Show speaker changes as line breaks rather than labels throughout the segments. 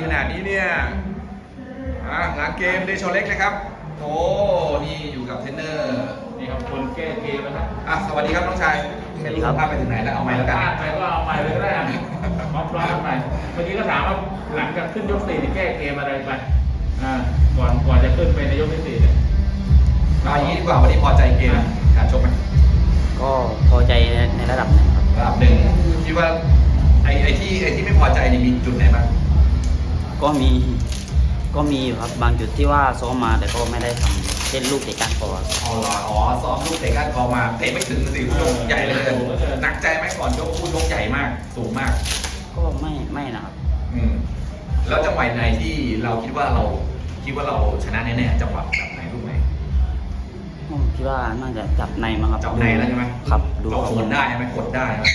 ขนาดนี้เนี่ยหลังเกมเดโชเล็กนะครับโอ้นี่อยู่กับเทรนเนอร์
นี่ครับคนแก้เกมนะครับ
สวัสดีครับน้องชายสวัสดีครับภาพไปถึงไหนแล้วเอาใหม่แล้วกัน
ไปก็เอาใหม่เลยก็ได้พร้อมๆใหม่เมื่อกี้ก็ถามว่าหลังจากขึ้นยก 4แก้เกมอะไรไปก่อนจะขึ้นไปในยกที่ 4เนี่ย
เอาอย่างนี้ดีกว่าวันนี้พอใจเกมการชกไหม
ก็พอใจในระดับหนึ่งครับ
ระดับหนึ่งคิดว่าไอ้ที่ไม่พอใจนี่มีจุดไหนบ้าง
ก็มีอยู่ครับบางจุดที่ว่าซ้อมมาแต่ก็ไม่ได้ทำเช่นลูกเตะก้านคอ
ซ้อมลูกเตะก้านคอมาเตะไม่ถึงสิลูกใหญ่เลยหนักใจไหมก่อนยกคู่ยกใหญ่มากสูงมาก
ก็ไม่นะครับ
แล้วจังหวะไหนที่เราคิดว่าเราชนะแน่ๆจังหวะแบบไหนลูกไหน
คิดว่าน่าจะจับในมั้งครับ
จับในแล้วใช่ไหม
ครับ
เรากดได้ไหมกดได้ไหม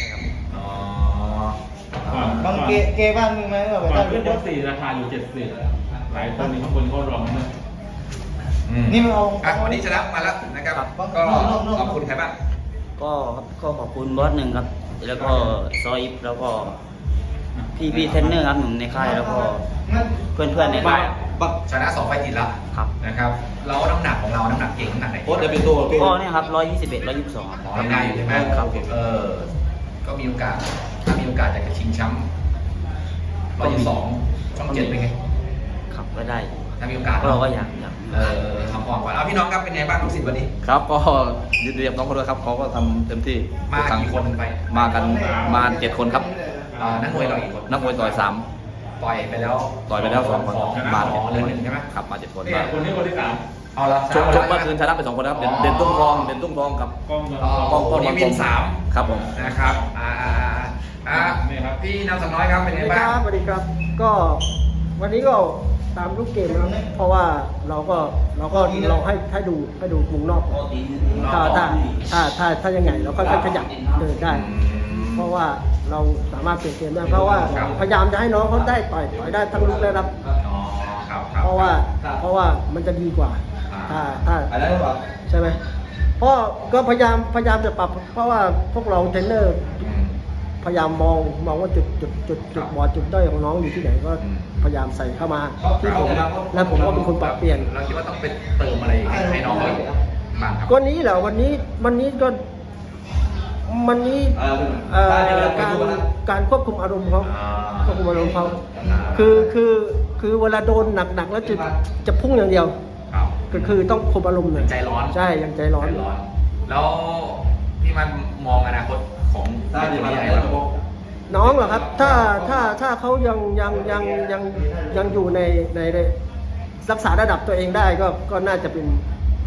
บางเกบ้างไหม
ก่อนขึ้นยก 4ราคาอยู่70หลายคนนี่คนเขารองนะ
นี่มันเอา
วันนี้ชนะมาแล้วนะครับก็ขอบคุณใครบ้าง
ก็ขอบคุณบอสหนึ่งครับแล้วก็ซอยแล้วก็พี่เทรนเนอร์ครับหนุ่มในค่ายแล้วก็เพื่อนในค่าย
ชนะ2 ไฟล์ติดแล้วนะครับแล้วน้ำหนักของเราน้ำหนักเก่งน้ำหนักไหน
โค้ชจะเป็นตัว
ก็เนี่ยครับ121 122
ทำได้อยู่ใช่ไหมครับก็มีโอกาสถ้ามีโอกาสอยากจะชิงแชมป์122ช่อง 7เป็นไง
ครับก็ได้
ถ้ามีโอกาส
เราก็อยาก
ทำออกก่อนเอาพี่น้องครับเป็นไงบ้างลูกศิษย์วันนี้
ครับก็ยินดีกับน้องเขาด้วยครับเขาก็ทำเต็มที่
มากี่คนไป
มากันมา7 คนครับ
นักมวยเรากี่คน
นักมวยต่อย
ต่อยไปแล้ว
2 คน
มาเลย1ใช่ไหม
ครับมา7 คน
คนนี้คนที่3
เอาละ
ชกเมื่อคืนชนะไป2 คนครับเด่นตุ้งทองกับ
กล้
องนี้วิน3
ครับผม
นะครับพี่นำสักน้อยครับเป็นไงบ้าง
สวัสดีครับก็วันนี้ก็ตามลูกเกมนะเพราะว่าเราให้ดูมุมนอกถ้ายังไงเราก็ขยับเดินได้เพราะว่าเราสามารถเปลี่ยนเกมได้เพราะว่าพยายามจะให้น้องเขาได้ต่อยได้ทั้งลุกและรับเพราะว่ามันจะดีกว่าถ้าใช่ไหมเพราะก็พยายามจะปรับเพราะว่าพวกเราเทรนเนอร์พยายามมองว่าจุดบอดจุดด้อยของน้องอยู่ที่ไหนก็พยายามใส่เข้ามาที่ผมและผมก็เป็นคนปรับเปลี่ยน
เราคิดว่าต้องเป็นเติมอะไรให้น้องบ้างครับ
ก็นี้แหละวันนี้การควบคุมอารมณ์เขาคือเวลาโดนหนักแล้วจะพุ่งอย่างเดียวก็คือต้องคุมอารมณ์หน่อย
ใจร้อน
ใช่ยังใจร้อน
แล้วพี่มันมองอนาคตของ
น้องเหรอครับถ้าเขายังอยู่ในรักษาระดับตัวเองได้ก็น่าจะเป็น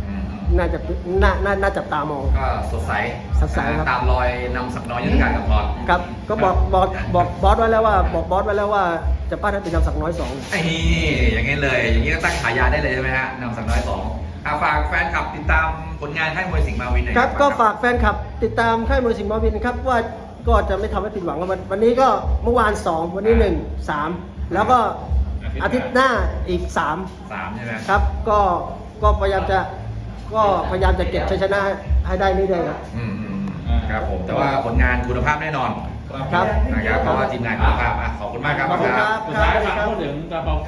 น่าจับตามอง
ก็สดใส
ครับ
ตามรอยนำสักน้อยยุทธการกับพอด
ครับก็บอกบอสไว้แล้วว่าจะปั้นให้เป็นนำสักน้อย2
อย่างนี้เลยอย่างนี้ก็ตั้งฉายาได้เลยใช่ไหมฮะนำสักน้อย2ฝากแฟนคลับติดตามผลงานค่ายมวยสิงห์มาวินหน่อย
ครับก็ฝากแฟนคลับติดตามค่ายมวยสิงห์มาวินครับว่าก็จะไม่ทำให้ผิดหวังวันนี้ก็เมื่อวาน2วันนี้1 3แล้วก็อาทิตย์หน้าอีก3
ใช่ไหม
ครับก็พยายามจะเก็บชัยชนะให้ได้เรื่อยๆ
ครับผมแต่ว่าผลงานคุณภาพแน่นอน
ครับ
นะครับเพราะว่าทีมงานคุณภาพขอบคุณมากครับ
ขอบคุณครับ
สุดท้ายฝากพูดถึงกระเป๋า